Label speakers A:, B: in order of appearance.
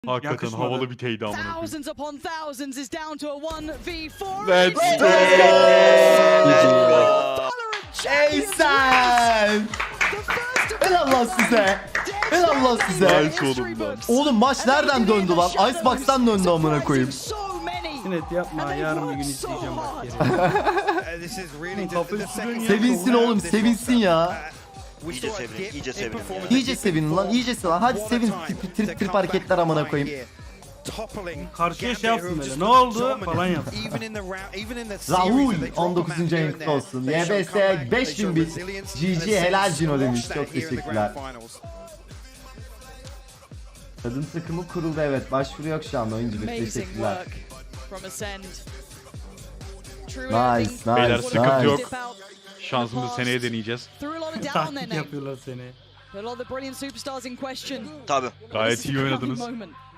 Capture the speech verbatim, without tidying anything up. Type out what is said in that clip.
A: Hakikaten
B: Yakışmadı.
A: havalı bir teydi amına koyayım.
C: Thousands upon thousands is down to a one v four.
A: Let's go!
D: Ey sen! Helal lan size. Helal lan size.
A: Nice oğlum lan.
D: Oğlum maç nereden döndü lan? Icebox'tan döndü amına koyayım.
B: Sinet yapma, yarın bir gün izleyeceğim bak geri. Kafayı sürüyorsun ya.
D: Sevinsin oğlum, sevinsin ya.
E: İyice sevinin, iyice sevinin.
D: İyice sevinin lan, iyice sevin. Hadi sevin, trip trip, trip hareketler amına koyayım.
B: Karşıya şey yapsın böyle, ne oldu falan yap.
D: Rahul on dokuzuncu ayında olsun. Y B S beş bin bit. G G helal Cino demiş. Çok teşekkürler. Kadın takımı kuruldu, evet. Başvuru yok şu anda oyuncu bir. Teşekkürler. Nice, nice,
A: Beyler
D: nice.
A: sıkıntı yok. Şansımızı seneye deneyeceğiz.
B: Taktik yapıyorlar seni.
C: Put all the brilliant superstars in question.
E: Tabii.
A: Gayet iyi
C: This is a
A: oynadınız.
C: crowning moment.